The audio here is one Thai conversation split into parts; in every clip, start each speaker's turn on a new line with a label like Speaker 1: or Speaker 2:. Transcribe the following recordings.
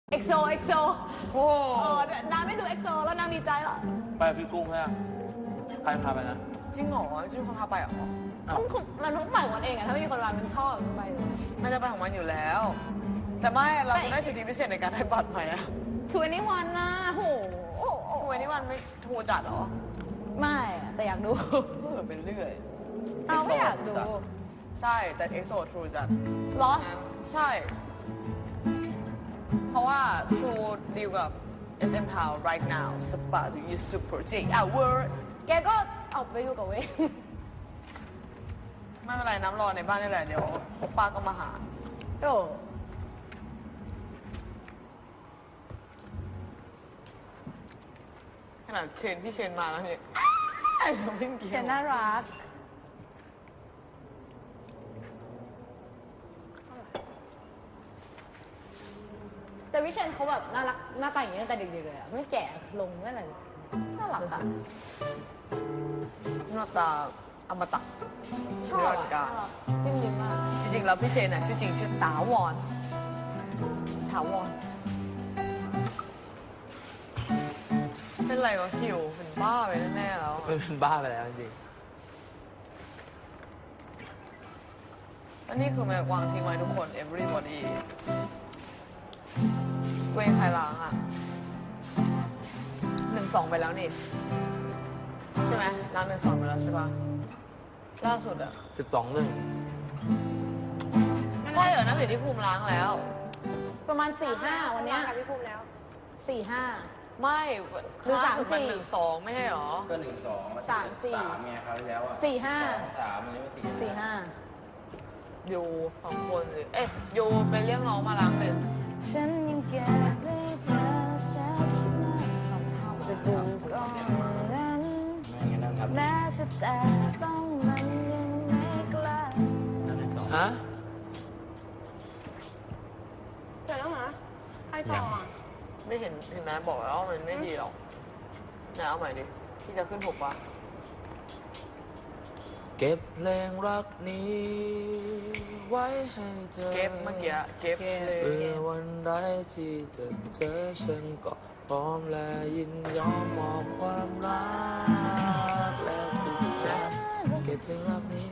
Speaker 1: เอ็กโซ
Speaker 2: โอ้
Speaker 1: น้ำไม่ดูเอ็กโซแล้วน้ำมีใจเหรอ
Speaker 3: ไปพี่กุ้งใช่ไหมใครพาไปนะ
Speaker 2: จริงเหรอชื่อคนพาไปเหรอ
Speaker 1: มันต้องไปของมันเองอะถ้าไม่มีคนมามันชอบมันไปเลย
Speaker 2: ไม่ได้ไปของมันอยู่แล้ว แต่ไม่เราจะได้สิทธิพิเศษในการได้บัตรใหม่อะ
Speaker 1: 21นะโห
Speaker 2: ทำไมนี่วันไม่โทรจัดเหรอ
Speaker 1: ไม่อะแต่อยากดู
Speaker 2: เออเป็นเรื่อย
Speaker 1: เอาไม่อยากดู
Speaker 2: ใช่แต่เอ็กโซทรูจัด
Speaker 1: เหรอ
Speaker 2: งั้นใช่ เพราะว่า True ดีลกับ SM Town right now Spa is super J hour
Speaker 1: แกก็เอาไปดูกับเว้ย
Speaker 2: ไม่เป็นไรน้ำรอในบ้านนี่แหละ เดี๋ยวพวกป้าก็มาหา
Speaker 1: โอ้
Speaker 2: ขนาดเชนพี่เชนมาแล้วเนี่ยเราเพิ่งเกี่ยว
Speaker 1: เชนน่ารักแต่วิเชนเขาแบบน่ารักหน้าตาอย่างนี้ตั้งแต่เด็กๆเลยอะไม่แก่ลงไม่อะไรเลยน่ารักอะ
Speaker 2: หน้าตาอมตะ
Speaker 1: ชอบ
Speaker 2: นิรันดร์กา
Speaker 1: อะ
Speaker 2: ร
Speaker 1: จิ้มลิ้มมาก
Speaker 2: จริงๆแล้วพี่เชนน่ะชื่อจริงชื่อถาวรเป็นไรวะคิวเป็นบ้าไปแน่ๆแล้ว
Speaker 3: เป็นบ้าไปแล้วจริง
Speaker 2: แล้วนี่คือแม่วางทิ้งไว้ทุกคน everybody เวงใครล้างอ่ะ1-2 ไปแล้วนี่ ใช่ไหมล้าง1-2 ไปแล้วใช่ปะล่าสุดอ่ะ
Speaker 3: 12เรื่อง
Speaker 2: ใช่เหรอนักเรียนที่ภูมิล้างแล้ว
Speaker 1: ประมาณ 4-5 วันเนี้ย
Speaker 4: กับพี่ภูมิแล้ว
Speaker 1: 4-5
Speaker 2: ไม่
Speaker 1: หรือ
Speaker 2: ล่าสุดมัน
Speaker 1: 3-4
Speaker 2: 1-2 ไม่ใช่เหรอ
Speaker 5: ก็1-2
Speaker 1: 3-4
Speaker 5: เมียเขาวที่แล้วอ่ะ
Speaker 1: 4-5
Speaker 5: 2-3มันนี้เป็น4-5
Speaker 1: 4-5
Speaker 2: ยู2 คนเลยเอ๊ะยูไปเรียกน้องมาล้างเลย
Speaker 1: ฉันยังเก็บไว้เธอชัดมากจะดูก่อนนั้น
Speaker 5: ไม่งั้นนั่งทับ
Speaker 1: แม้จะแต่ต้องมันยังไม่กล้า
Speaker 5: นั่งให้ต่อ
Speaker 3: ฮะ
Speaker 4: เสร็จแล้วเหรอใครต่ออ่ะ
Speaker 2: ไม่เห็นไหมบอกแล้วว่ามันไม่ดีหรอกไหนเอาใหม่ดิที่จะขึ้นถูกปะ
Speaker 3: เก็บเพลงรักนี้ ไว้ให้เธอ
Speaker 2: เก็บเมื่อกี้เก็บเลย
Speaker 3: เพื่อวันใดที่จะเจอฉันก็พร้อมและยินยอมมอบความรักและทุกอย่างเก็บเพลงรักนี้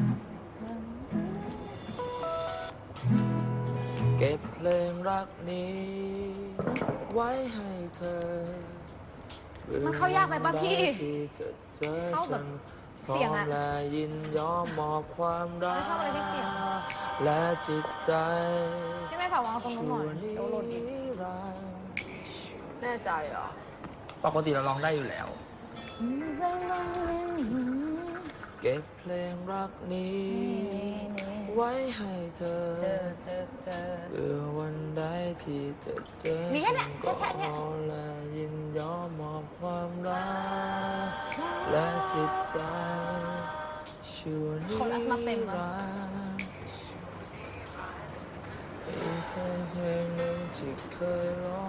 Speaker 3: เก็บเพลงรักนี้ ไว้ให้เธอ
Speaker 1: มันเข้ายากไหมป่ะพี่
Speaker 3: ที่จะเจอ
Speaker 1: เข้าแบ
Speaker 3: ฉั
Speaker 1: บ
Speaker 3: น
Speaker 1: เสียงอะ
Speaker 3: พร้อมและยินยอมมอบความรัก
Speaker 1: ไม่ชอบอะไรที่เสียง
Speaker 3: และจิตใจ
Speaker 1: ที่ไม่ฝากวางตรงนู้นหน่อยเดี๋ยวหล่นอีก
Speaker 3: รัก
Speaker 2: แน่ใจเหรอ
Speaker 3: ปกติเราร้องได้อยู่แล้ว เก็บเพลงรักนี้ ไว้ให้เธอ เพื่อวันใดที่จะเจอ
Speaker 1: มีแค่เนี้ย
Speaker 3: ก็
Speaker 1: แค่เนี้ย
Speaker 3: ขอและยินยอมมอบความรักและจิตใจชั่วนิ
Speaker 1: คนอัดมาเต็ม
Speaker 3: รั
Speaker 1: อะ
Speaker 3: นดร์อีกเพลงหนึ่งที่เคยร้อง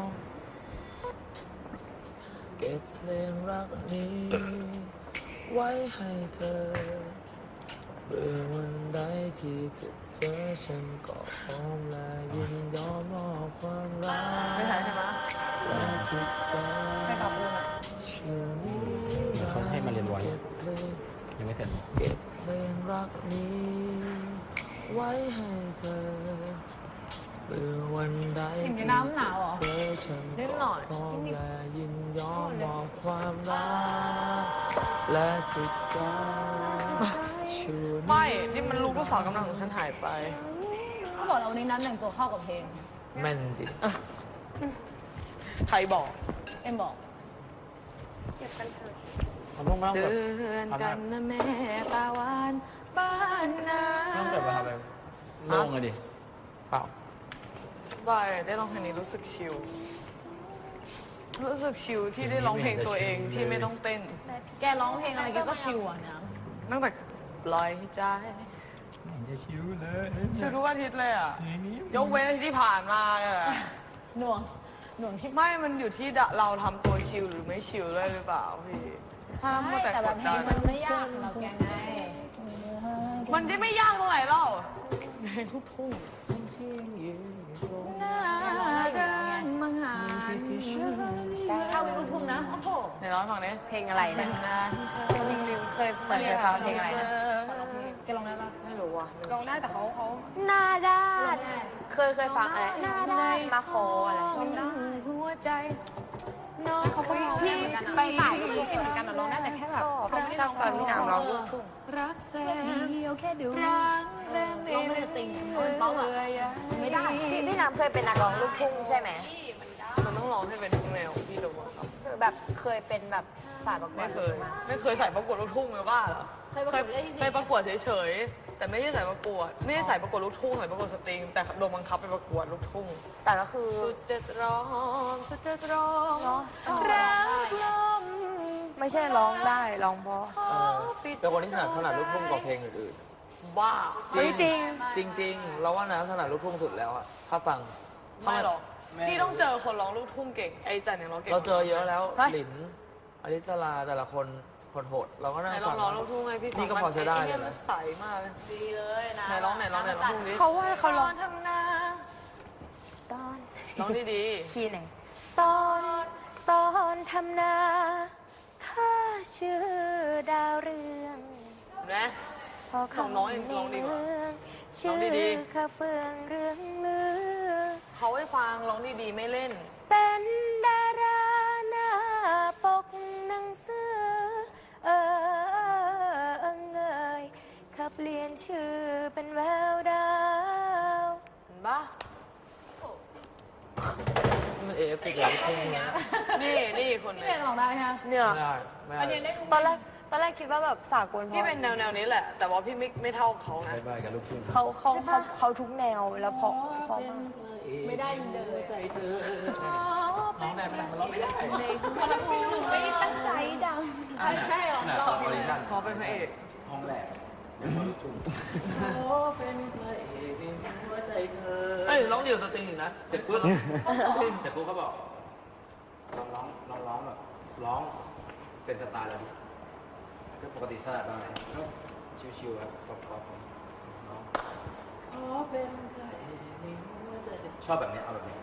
Speaker 3: เก็บเพลงรักนี้ ไว้ให้เธอเพื่อวันใดที่จะเจอฉันก็พร้อมและยินยอมมอบความรัก
Speaker 2: ไม่ใช่ใช่ไหม
Speaker 3: และจิตใจ
Speaker 2: ให้ขับพูดอ่ะ
Speaker 3: ชั่วนิ
Speaker 5: เขาให้มาเรียนไว้
Speaker 3: เก็บเพลง
Speaker 5: ยังไม่เสร็จ
Speaker 3: เก็บเพลงรักนี้ ไว้ให้เธอเพื่อวันใด
Speaker 1: อย่างนี้
Speaker 3: ที่
Speaker 1: น้ำหนาวเหรอ
Speaker 3: เจอฉัน
Speaker 2: นิด
Speaker 3: ก็
Speaker 2: หน่อย
Speaker 3: พร้อมและยินยอมมอบความรักและจิตใจชั่ว
Speaker 2: ไม่ นี่มันลูกผู้สาวกำลังของฉันหายไป
Speaker 1: เขาบอกเราวันนี้นัดแต่งตัวเข้ากับเพลง
Speaker 3: แม่นจริง
Speaker 2: ใครบอก
Speaker 1: เอ็มบอก
Speaker 4: เก็บกันเถอะ
Speaker 3: เขาต้องไม่ต้อง
Speaker 2: เตื
Speaker 3: แบบ
Speaker 2: อนกันนะแม่ตาหวานบ้านนา
Speaker 3: ไม่ต้องแบบว่าทำแบบโล่งเลยดิเปล่า
Speaker 2: สบายได้ร้องเพลงนี้รู้สึกชิล รู้สึกชิลที่ได้ร้องเพลงตัวเองที่ไม่ต้องเต้น
Speaker 1: แกร้องเพลงอะไรแกก็ชิวอ่ะนะ
Speaker 2: ตั้งแต่ปล่อยใจ
Speaker 5: จะชิวเลย
Speaker 2: ชิลทุกอาทิตย์เลยอ่ะ ยกเว้นอาทิตย์ที่ผ่านมาเนี่ยแหละ
Speaker 1: หน่วงหน่วงที่
Speaker 2: ไม่ มันอยู่ที่เราทำตัวชิลหรือไม่ชิลด้วยหรือเปล่าพี่ ถ้าเรามัวแต่
Speaker 1: แต่
Speaker 2: ก
Speaker 1: แบบ
Speaker 2: ด
Speaker 1: เพล
Speaker 2: ดั
Speaker 1: ง
Speaker 2: น
Speaker 1: มันไม่ยากสำหรับแกไง
Speaker 2: มันที่ไม่ยากตรงไหนเล่าเพลงลูกทุ่ง
Speaker 3: ที่ยืนตรง
Speaker 2: หน้าเดินร้องให้ฟังดิ
Speaker 1: เพลงอะไรเนี่ยเพลงริวเคยเหมือนเคยฟังเพลงอะไรนะ
Speaker 2: แกร้องได้ปะไม่รู้ว่ะ
Speaker 4: ลองได้แต่เขา
Speaker 1: หน้าด้านเคยฟังอะไรหน้าด้านมาโคอะไร
Speaker 2: หัวใจ
Speaker 4: เขาก็ร้องได้เหมือนกันอะไปสายลูกทุ่งเหมือนกันอะร้องได้แต่แค่แบบ
Speaker 1: ชอบตอนพี่นางร้องลูกทุ่ง
Speaker 2: รักแสน
Speaker 1: เดียวแค่ดู
Speaker 2: รักแรงไม่
Speaker 4: ร้องไม่ได้ติงเป้าอะไม่ได้
Speaker 1: พี่นางเคยเป็นนักร้องลูกทุ่งใช่ไหม
Speaker 2: มันต้องร้องให้เป็นทุกแนวพี่รู้ป่ะครับ
Speaker 1: คือแบบเคยเป็นแบบสายประกว
Speaker 2: ไม่
Speaker 1: ด
Speaker 2: เคย ไม่เคยใส่ประกวดลูกทุ่งเลยว่าเหรอ
Speaker 4: เคยประกวดได้จริง
Speaker 2: เคยประกวดเฉยๆแต่ไม่ใช่ใส่ประกวดไม่ได้ใส่ประกวดลูกทุ่งใส่ประกวดสตริงแต่โดนบังคับไปประกวดลูกทุ่ง
Speaker 1: แต่ก็คือ
Speaker 2: สุดจะร้องสุดจะร้อง
Speaker 1: รักลมไม่ใช่ร้องได้ร้องเพราะ
Speaker 3: เป็นคนที่ถนัดลูกทุ่งกว่าเพลงอื่น
Speaker 2: บ้า
Speaker 1: เฮ้ยจริง
Speaker 3: ๆ จริง ๆ เราว่านะถนัดลูกทุ่งสุดแล้วอะถ้าฟัง
Speaker 2: ไม่หรอกพี่ต้องเจอคนร้องลูกทุ่งเก่งไอ้จันเนี่ยร้องเก่ง
Speaker 3: เราเจอเยอะแล้ว
Speaker 1: เฮ้ย
Speaker 3: หลินอลิสลาแต่ละคนโหดเราก็นั่ง
Speaker 2: ไหนล
Speaker 3: ฟั
Speaker 2: อง
Speaker 3: ง
Speaker 2: ร้องลูกทุ่งไงพี่
Speaker 3: นี่ก็พอจะได้
Speaker 2: ไอ้เนี่ย
Speaker 3: เลยนะ
Speaker 2: มันใสมากเลย
Speaker 4: ดีเลยนะ
Speaker 2: ไหนร้องลูกทุ่งดิ
Speaker 1: เขาว่าเขาร้อง
Speaker 2: ทำนา
Speaker 1: ตอน
Speaker 2: ร้องดี
Speaker 1: ที่ไหนตอนทำนาข้าชื่อดาวเรือง
Speaker 2: ๆเห็นไหม
Speaker 1: พอ
Speaker 2: ของน้องยังร้องดีกว่า
Speaker 1: ชื่
Speaker 2: ร้
Speaker 1: อ
Speaker 2: องดี
Speaker 1: ข้าเฟืองเรืองลือ
Speaker 2: เขาให้ฟังร้องดีๆไม่เล่น
Speaker 1: เป็นดาราหน้าปกหนังสือเงยข้าเปลี่ยนชื่อเป็นแววดาว
Speaker 2: เห็นปะ
Speaker 3: มันเอฟติกลูกทุ่งนะ
Speaker 2: นี่คน
Speaker 4: พี่
Speaker 2: นี้
Speaker 4: เป็นร้องได้ใช่ไหม
Speaker 1: เนี่ย
Speaker 3: ไม่
Speaker 4: อัน
Speaker 3: ได้
Speaker 4: นี้ได้ทุก
Speaker 1: ตอนแรกคิดว่าแบบสากลพอ
Speaker 2: พี่เป็นแนวนี้แหละ แต่ว่าพี่ไม่เท่าเขานะ
Speaker 5: บายบายกับลูกทุ่ง
Speaker 1: เขาทุกแนวแล้วเพราะมาก
Speaker 4: ไม่ได้เดิน
Speaker 5: ใจเธอร้องได้ไหมล่ะมันร้องไม่ได้
Speaker 4: คนละเพลงหนูไม่ได้ตั้งใจดังใช่หรอ
Speaker 5: ขนาดตอนออดิชั่น
Speaker 2: เขาเป็นพระเอก
Speaker 5: ห้องแรกลูกทุ่ง
Speaker 3: เฮ้ยร้องเดี่ยวสตริงอีกนะ
Speaker 5: เสร็จปุ๊บเสร็จปุ๊บเขาบอกลองร้องแบบร้องเป็นสไตล์เราดิก็ปกติสไตล์เราไหนก็ชิวๆครับป๊อปๆร้องชอบแบบนี้เอาแบบนี้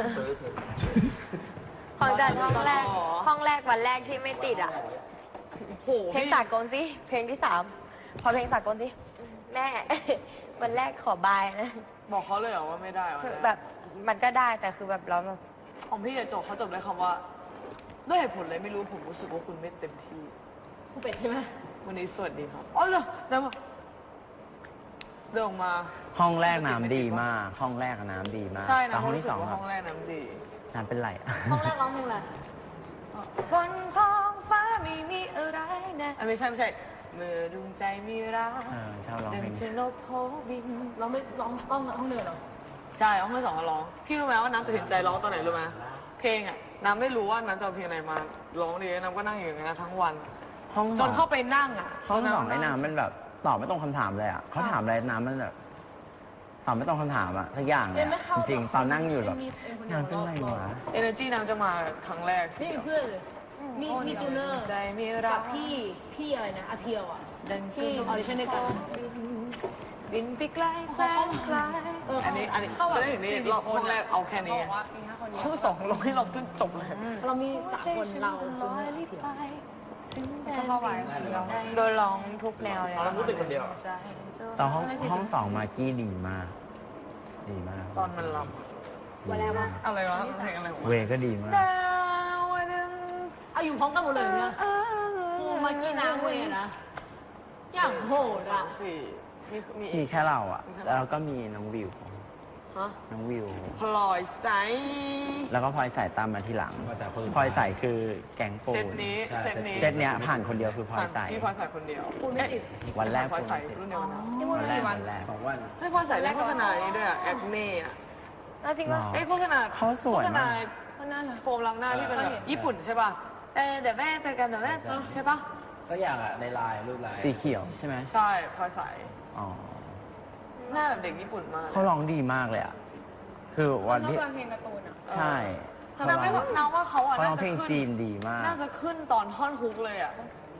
Speaker 1: ของจันห้องแรกวันแรกที่ไม่ติดอ่ะ
Speaker 2: โห
Speaker 1: เพลงสากลสิเพลงที่ 3 พอเพลงสากลสิแม่ วันแรกขอบายนะ
Speaker 2: บอกเขาเลยเหรอว่าไม่ได้วะ
Speaker 1: คือแบบมันก็ได้แต่คือแบบเราแบบ
Speaker 2: ของพี่จะจบเขาจบด้วยคำว่า ด้วยเหตุผลอะไรไม่รู้ผมรู้สึกว่าคุณไม่เต็มที่
Speaker 4: ผู้เป็ดใช่ไหม
Speaker 2: วันนี้สวัสดีครับอ๋อเหรอเดินมาเดินออกมา
Speaker 6: ห้องแรกน้ำดีมาก ห้องแรกอะน้ำดีมาก
Speaker 2: ใช่
Speaker 6: แต่
Speaker 2: นะ
Speaker 6: ห้อง
Speaker 2: รู้
Speaker 6: ที่
Speaker 2: สึ
Speaker 6: ส
Speaker 2: ก
Speaker 6: อง
Speaker 2: ว่า
Speaker 6: อะ
Speaker 2: ห้องแรกน้ำดี
Speaker 6: น้ำเป็นไรอะ
Speaker 4: ห้องแรกร้องเพลงอะไร
Speaker 1: บนท้องฟ้าไม่มีอะไรนะ
Speaker 2: ไม่ใช่เมื่อดวงใจมีรัก
Speaker 6: ชอบร้อง
Speaker 2: ดั
Speaker 6: เพล
Speaker 2: ง
Speaker 6: ง
Speaker 2: จะนกโพบิน
Speaker 4: เราไม่ร้องต้องห้องเดินหรอ
Speaker 2: ใช่ห้องที่สองก็ร้อง พี่รู้ไหมว่าน้ำตัดสินใจร้องตอนไหนรู้ไหมเพลงอ่ะน้ำไม่รู้ว่าน้ำจะเอาเพลงอะไรมาร้องดีน้ำก็นั่งอยู่อย่างนั้นทั้งวัน
Speaker 6: ห้อง
Speaker 2: จ
Speaker 6: สอน ง
Speaker 2: เข้าไปนั่งอ่ะ
Speaker 6: ห้องสอง
Speaker 2: จ
Speaker 6: ไอ้น้ำมันแบบตอบไม่ตรงคำถามเลยอ่ะเขาถามอะไรน้ำมันแบบตอบไม่ตรงคำถามอ่ะสักอย่างเลยอะจริงๆตอนนั่งอยู่แบบน้ำเป็นไรวะ
Speaker 2: เอเนอร์จีน้ำจะมาครั้งแรก
Speaker 4: ไม่มีเพื่อนเลยมีจูเนอร์
Speaker 2: ใจมีรั
Speaker 4: กั
Speaker 2: ก
Speaker 4: บพี่อะไรนะอาเพียวอ่ะ
Speaker 2: ดัง
Speaker 4: ที่ออดิชั่นด้วยกัน
Speaker 2: บินไปไกลแสนไกลอันนี้ก็ได้อย่างนี้รอบห้องแรกเอาแค่นี้
Speaker 4: บอกว่ามีแค่คนเดียว
Speaker 2: ห้องสองร้องให้เราจนจบเลย
Speaker 4: เรามี3 คนเราจูเนอร์อาเพียว
Speaker 1: ก็เข้าไปโดนร้องทุกแนวเลย
Speaker 3: เราพูดเป็นคนเดียว
Speaker 6: ตอนห้องสองมากกี้ดีมาก ดีมาก
Speaker 2: ตอนมันล
Speaker 4: วันแรกว่า
Speaker 2: ำอะไรวะเพลงอะไรของ
Speaker 6: เว
Speaker 2: มัน
Speaker 6: ก็ดีมาก
Speaker 2: ดาวหนึ่ง
Speaker 4: เอาอยู่พร้อมกันหมดเลยเนี่ยโอ้มากี้นางเวนะ อย่างโหด
Speaker 2: สา
Speaker 4: อ่ะ
Speaker 2: มสี่มี
Speaker 6: มีแค่เราอ่ะ แล้วก็มีน้องวิว
Speaker 2: ฮะ
Speaker 6: น้องวิว
Speaker 2: พลอยใส
Speaker 6: แล้วก็พลอยใส่ตามมาทีหลัง
Speaker 5: ภาษาคน
Speaker 6: พลอยใส่คือแก๊งปู
Speaker 2: เซต
Speaker 6: น
Speaker 2: นี้
Speaker 5: ใช่
Speaker 2: เซตนี้
Speaker 6: เซตเนี้ยผ่านคนเดียวคือพลอยใส่
Speaker 2: พี่พลอยใส่คนเดียว
Speaker 4: คุณไม่ติด
Speaker 6: วันแรก
Speaker 2: พลอยใส่
Speaker 6: ปูน
Speaker 2: รุ่นเดียวกันนะ
Speaker 6: วันแรกวันแรก
Speaker 5: 2 วัน
Speaker 2: ให้พลอยใส่เล่นโฆษณานี้ด้วยอะแอคเน่อะ
Speaker 1: จริงป่ะ
Speaker 2: ไอ้โฆษณา
Speaker 6: เขาสวย
Speaker 2: โฆษณาม
Speaker 6: าก
Speaker 4: ก็น่ารัก
Speaker 2: โฟมล้างหน้าที่เป็นแบบญี่ปุ่นใช่ป่ะเดี๋ยวแม่เจอกันเดี๋ยวแม่ใช่ป่ะ
Speaker 5: สักอย่างอ่ะในไลน์รูปไลน์
Speaker 6: สีเขียวใช่ไหม
Speaker 2: ใช่พลอยใส
Speaker 6: อ๋อ
Speaker 2: หน้าแบบเด็กญี่ปุ่นมาก
Speaker 6: เขาร้องดีมากเลยอ่ะ คือวัน
Speaker 4: ชอบ
Speaker 6: ที่
Speaker 4: ฟังเพลงการ์ตูนอ่ะ
Speaker 6: ใช่เขา
Speaker 2: น้าไม่
Speaker 6: ร้อง
Speaker 2: น้าว่าเขาอะ
Speaker 6: เขาร้
Speaker 2: น่า
Speaker 6: อง
Speaker 2: จะ
Speaker 6: เพลง
Speaker 2: ขึ้น
Speaker 6: จีนดีมาก
Speaker 2: น่าจะขึ้นตอนท่อนฮุกเลยอะ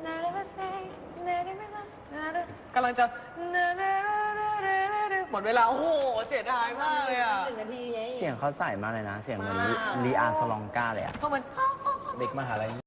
Speaker 2: กำลังจะหมดเวลาโอ้โหเสียดายมากเลยอะ
Speaker 4: 1 นาทีไง
Speaker 6: เสียงเขาใส่มากเลยนะ เสียงเหมือนลีอาสลองกาเลยอ่ะ
Speaker 2: ก็มัน
Speaker 5: เด็กมหาลัย